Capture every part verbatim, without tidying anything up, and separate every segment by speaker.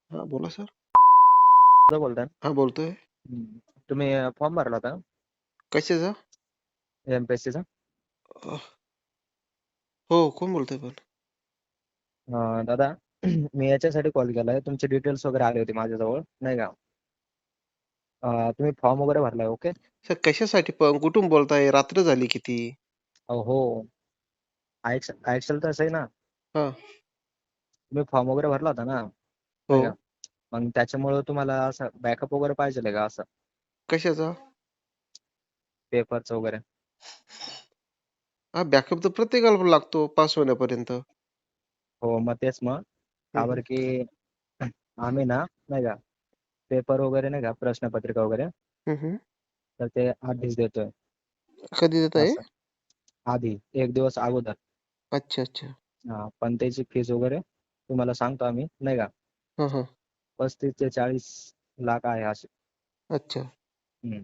Speaker 1: हां, बोला सर.
Speaker 2: कुठं बोलताय?
Speaker 1: हां, बोलतोय.
Speaker 2: हं. तुम्ही अ, फॉर्म भरला होता का?
Speaker 1: कशाचा?
Speaker 2: एम-पी-एस-सीचा?
Speaker 1: अ, हो, कोण बोलतंय पण?
Speaker 2: अ, दादा मी याच्यासाठी कॉल केलाय, तुमचे डिटेल्स वगैरे आले होते माझ्याजवळ, नाही का? अ, तुम्ही फॉर्म वगैरे भरलाय, ओके?
Speaker 1: सर कशासाठी पण? कुठून बोलताय? रात्र झाली किती?
Speaker 2: हो. ॲक्च ॲक्चुअल तसं आहे ना,
Speaker 1: हां,
Speaker 2: तुम्ही फॉर्म वगैरे भरला होता ना,
Speaker 1: हो.
Speaker 2: नाही का? मग त्याच्यामुळं तुम्हाला असं बॅकअप वगैरे पाहिजेल का असं
Speaker 1: कशाचा?
Speaker 2: पेपरचं वगैरे?
Speaker 1: हां, बॅकअप तर प्रत्येकाला लागतो पास होण्यापर्यंत.
Speaker 2: हो, मग तेच मग.
Speaker 1: हं,
Speaker 2: का
Speaker 1: हं.
Speaker 2: बरं की आम्ही ना, नाही का, पेपर वगैरे नाही का, प्रश्नपत्रिका वगैरे,
Speaker 1: हं, हं.
Speaker 2: तर ते आधीच देतोय
Speaker 1: कधी देत आहे?
Speaker 2: असं. आधी एक दिवस अगोदर.
Speaker 1: अच्छा, अच्छा.
Speaker 2: हां, पण त्याची फीस वगैरे तुम्हाला सांगतो आम्ही, नाही का?
Speaker 1: हां, हां.
Speaker 2: पस्तीस ते चाळीस लाख आहे अशी.
Speaker 1: अच्छा.
Speaker 2: हं.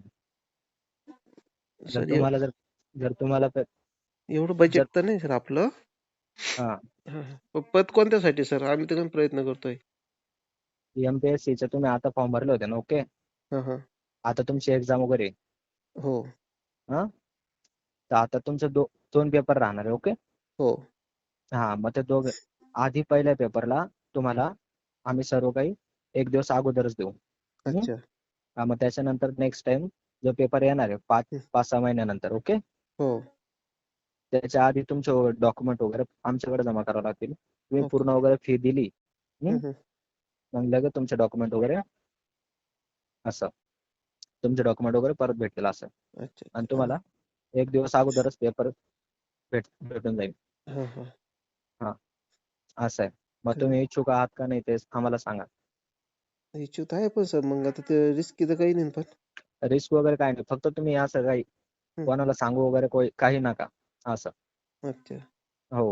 Speaker 2: जर
Speaker 1: सर, एव
Speaker 2: तुम्हाला जर जर तुम्हाला प
Speaker 1: एवढं
Speaker 2: जर
Speaker 1: बजेट तर नाही सर आपलं.
Speaker 2: हां,
Speaker 1: हां, हां. प पद कोणत्यासाठी सर? आम्ही तर पण प्रयत्न करतोय.
Speaker 2: एम-पी-एस-सीचे तुम्ही आता फॉर्म भरले होते ना, ओके.
Speaker 1: हां, हां.
Speaker 2: आता तुमची एक्झाम वगैरे आहे.
Speaker 1: हो,
Speaker 2: हां, तर आता तुमचे दो दोन पेपर राहणार आहे, ओके.
Speaker 1: हो.
Speaker 2: हां, मग ते दोघं आधी पहिल्या पेपरला तुम्हाला आम्ही सर्व काही एक दिवस अगोदरच देऊ. हं.
Speaker 1: अच्छा.
Speaker 2: हां, मग त्याच्यानंतर नेक्स्ट टाईम जो पेपर येणार आहे पाच
Speaker 1: हं.
Speaker 2: पाच सहा महिन्यानंतर, ओके.
Speaker 1: हो.
Speaker 2: त्याच्या आधी तुमचे डॉक्युमेंट वगैरे आमच्याकडे जमा करावे लागतील. तुम्ही पूर्ण
Speaker 1: ओके.
Speaker 2: वगैरे फी दिली, हं,
Speaker 1: हं, हं.
Speaker 2: मग लगेच तुमचे डॉक्युमेंट वगैरे असं. तुमचे डॉक्युमेंट वगैरे परत भेटतील असं.
Speaker 1: अच्छा,
Speaker 2: आणि
Speaker 1: अच्छा. हां.
Speaker 2: तुम्हाला एक दिवस अगोदरच पेपर भेट भेटून जाईल.
Speaker 1: हां, हां.
Speaker 2: हां, असं आहे. मग
Speaker 1: तर
Speaker 2: तुम्ही इच्छुक आहात का नाही ते आम्हाला सांगा.
Speaker 1: इच्छुक आहे पण सर मग आता ते रिस्की तर काही नाही पण.
Speaker 2: रिस्क वगैरे काही नाही. फक्त तुम्ही असं काही
Speaker 1: हं.
Speaker 2: कोणाला सांगू वगैरे कोई काही नका असं.
Speaker 1: अच्छा.
Speaker 2: हो.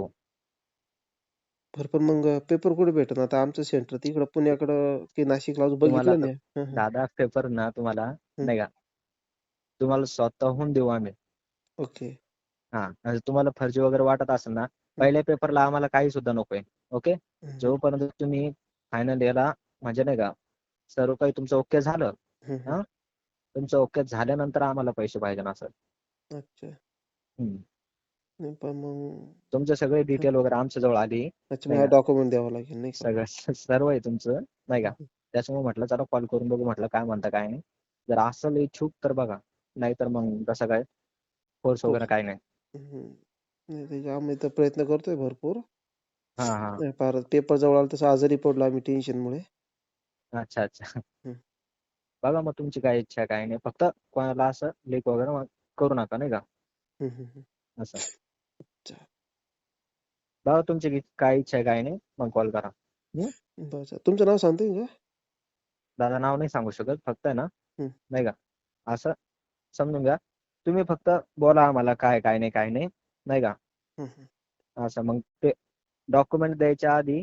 Speaker 1: बरं पण मग पेपर कुठे भेटेल? आता आमचं सेंटर तर इकडं पुण्याकडं की नाशिकला अजून
Speaker 2: तुम्हाला
Speaker 1: बघितलं
Speaker 2: तर
Speaker 1: नाही. हं, हं.
Speaker 2: दादा पेपर ना तुम्हाला
Speaker 1: हं.
Speaker 2: नाही का, तुम्हाला स्वतःहून देऊ आम्ही.
Speaker 1: ओके.
Speaker 2: हां, आणि तुम्हाला फर्जी वगैरे वाटत असेल ना,
Speaker 1: हं.
Speaker 2: पहिल्या पेपरला आम्हाला काही सुद्धा नकोय. ओके.
Speaker 1: हं, हं.
Speaker 2: जोपर्यंत तुम्ही फायनल इयरला म्हणजे नाही का, सर्व काही तुमचं ओके झालं,
Speaker 1: हं, हं.
Speaker 2: हां, तुमचं ओके झाल्यानंतर आम्हाला पैसे पाहिजे असं.
Speaker 1: अच्छा.
Speaker 2: हं.
Speaker 1: नाही पण मग
Speaker 2: तुमचे सगळे
Speaker 1: हं.
Speaker 2: डिटेल वगैरे आमच्याजवळ आली,
Speaker 1: अच्छा मग
Speaker 2: नाही
Speaker 1: हा
Speaker 2: का,
Speaker 1: डॉक्युमेंट द्यावा लागेल नाही का?
Speaker 2: सगळं सर्व आहे तुमचं, नाही
Speaker 1: हं,
Speaker 2: का.
Speaker 1: हं.
Speaker 2: त्याच्यामुळे म्हटलं चला कॉल करून बघू म्हटलं काय म्हणता काय नाही. जर असेल इच्छुक तर बघा, नाहीतर मग तसं काय फोर्स
Speaker 1: हो.
Speaker 2: वगैरे काही नाही.
Speaker 1: हं. नाही त्याचे आम्ही तर प्रयत्न करतोय भरपूर.
Speaker 2: हां, हां.
Speaker 1: नाही फार पेपर जवळ आला तसं आजारी पडलो आम्ही टेन्शनमुळे.
Speaker 2: अच्छा, अच्छा.
Speaker 1: हं.
Speaker 2: बघा मग तुमची काय इच्छा आहे काय नाही. फक्त कोणाला असं लीक वगैरे मग करू नका नाही का,
Speaker 1: हं, हं, हं.
Speaker 2: असं.
Speaker 1: अच्छा.
Speaker 2: बघा तुमची की काय इच्छा आहे काय नाही, मग कॉल करा. हं.
Speaker 1: बरं. तुमचं नाव सांगता येईल का?
Speaker 2: दादा नाव नाही सांगू शकत, फक्त आहे ना,
Speaker 1: हं.
Speaker 2: नाही का, असं समजून घ्या. तुम्ही फक्त बोला आम्हाला काय, काय नाही, काय नाही, नाही का.
Speaker 1: हं, हं.
Speaker 2: असं मग ते डॉक्युमेंट द्यायच्या आधी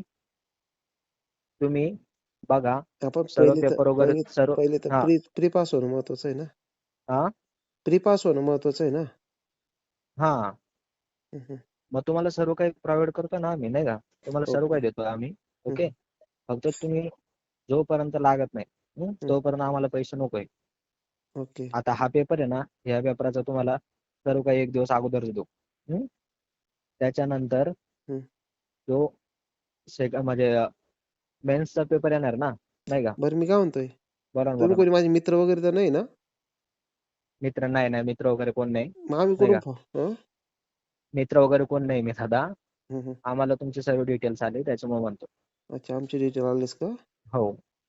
Speaker 2: तुम्ही बघा
Speaker 1: आपण
Speaker 2: सर्व
Speaker 1: पहिले तर
Speaker 2: पेपर वगैरे
Speaker 1: पहिले
Speaker 2: सर्व
Speaker 1: पहिले तर
Speaker 2: हां,
Speaker 1: प्री प्री पास होणं महत्वाचं आहे ना?
Speaker 2: हां,
Speaker 1: प्री पास होणं महत्वाचं आहे ना?
Speaker 2: हां.
Speaker 1: हं, हं.
Speaker 2: मग तुम्हाला सर्व काही प्रोव्हाईड करतो ना आम्ही, नाही का. तुम्हाला सर्व
Speaker 1: ओके.
Speaker 2: काही देतो आम्ही,
Speaker 1: हं,
Speaker 2: ओके.
Speaker 1: हं.
Speaker 2: फक्त तुम्ही जोपर्यंत लागत नाही, हं,
Speaker 1: हं.
Speaker 2: तोपर्यंत आम्हाला पैसे नकोय.
Speaker 1: ओके.
Speaker 2: आता हा पेपर आहे ना, ह्या पेपराचा तुम्हाला सर्व काही एक दिवस अगोदरच देऊ. हं. त्याच्यानंतर
Speaker 1: हं.
Speaker 2: जो सेक म्हणजे मेन्सचा पेपर येणार ना, नाही का.
Speaker 1: बरं मी काय म्हणतोय,
Speaker 2: बोला ना,
Speaker 1: तुम्ही
Speaker 2: बोला ना.
Speaker 1: कोणी माझे मित्र वगैरे तर नाही ना?
Speaker 2: मित्र नाही, नाही. मित्र वगैरे कोण नाही,
Speaker 1: मग आम्ही
Speaker 2: नाही
Speaker 1: कुठून
Speaker 2: का.
Speaker 1: फॉ हं?
Speaker 2: मित्र वगैरे कोण नाही मी दादा.
Speaker 1: हं, हं.
Speaker 2: आम्हाला तुमचे सर्व डिटेल्स आले त्याच्यामुळे म्हणतो.
Speaker 1: अच्छा आमचे डिटेल आलेच का?
Speaker 2: हो.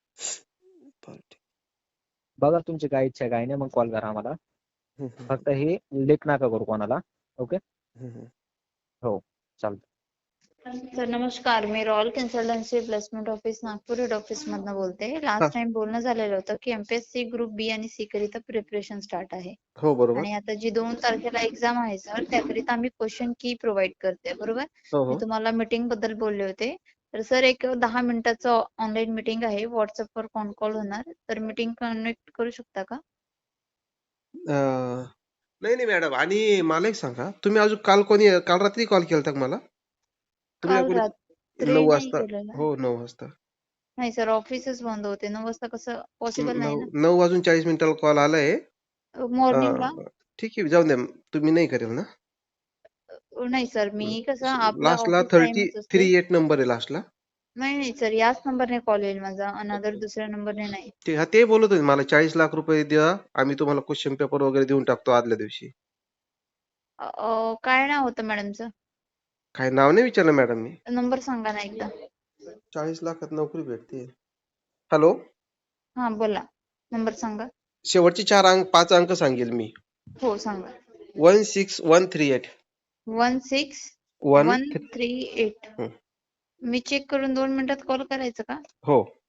Speaker 1: बरं ठीक.
Speaker 2: बघा तुमची काय इच्छा आहे काय नाही, मग कॉल करा आम्हाला.
Speaker 1: हं, हं, हं.
Speaker 2: फक्त हे लीक नका करू कोणाला. ओके.
Speaker 1: हं, हं.
Speaker 2: हो, चालतं.
Speaker 3: सर नमस्कार, मी Royal Consultancy Placement office Nagpur head office मधनं बोलते.
Speaker 1: हां.
Speaker 3: लास्ट टाइम बोलणं झालेलं होतं की एमपीएससी ग्रुप बी आणि सी करिता प्रिपरेशन स्टार्ट आहे
Speaker 1: हो, बरोबर.
Speaker 3: आणि आता जी दोन तारखेला एक्झाम आहे सर त्याकरिता आम्ही क्वेश्चन की प्रोव्हाइड करते बरोबर.
Speaker 1: हो,
Speaker 3: मी
Speaker 1: हो.
Speaker 3: तुम्हाला मीटिंग बद्दल बोलले होते. तर सर एक दहा मिनिटाचं ऑनलाईन मीटिंग आहे, व्हॉट्सअपवर कॉन कॉल होणार, तर मीटिंग कनेक्ट करू शकता का?
Speaker 1: अ, नाही, नाही मॅडम आणि मला एक सांगा, तुम्ही अजून काल कोणी काल रात्री कॉल केलता का मला? तुम्ही का
Speaker 3: काल
Speaker 1: कोणी
Speaker 3: रात्री
Speaker 1: नऊ
Speaker 3: नाही
Speaker 1: वाजता
Speaker 3: केलेला.
Speaker 1: हो, नऊ वाजता.
Speaker 3: नाही सर ऑफिसच बंद होते. नऊ वाजता कसं पॉसिबल नाही ना.
Speaker 1: नऊ नऊ वाजून चाळीस मिनिटाला कॉल आलाय.
Speaker 3: मॉर्निंगला
Speaker 1: अं, ठीक आहे जाऊन द्या. तुम्ही नाही करेल ना?
Speaker 3: नाही सर मी कसं आपला
Speaker 1: लास्टला
Speaker 3: ऑफिस
Speaker 1: थर्टी
Speaker 3: टाइमच असते.
Speaker 1: थ्री एट नंबर आहे लास्टला.
Speaker 3: नाही नाही सर याच नंबरने कॉल येईल माझा. अनदर दुसऱ्या नंबरने नाही.
Speaker 1: ते हा ते बोलत होते मला चाळीस लाख रुपये द्या, आम्ही तुम्हाला क्वेश्चन पेपर वगैरे देऊन टाकतो आदल्या दिवशी.
Speaker 3: अ, अ, काय नाव होतं मॅडमचं?
Speaker 1: काय नाव नाही विचारलं मॅडम मी.
Speaker 3: नंबर सांगा ना एकदा.
Speaker 1: चाळीस लाखात नोकरी भेटते. हॅलो,
Speaker 3: हा बोला. नंबर सांगा.
Speaker 1: शेवटचे चार अंक पाच अंक सांगेल मी.
Speaker 3: हो सांगा.
Speaker 1: One six one three eight
Speaker 3: one six
Speaker 1: one
Speaker 3: one three eight. मी चेक करून दोन मिनिटात कॉल करायचं का?
Speaker 1: हो.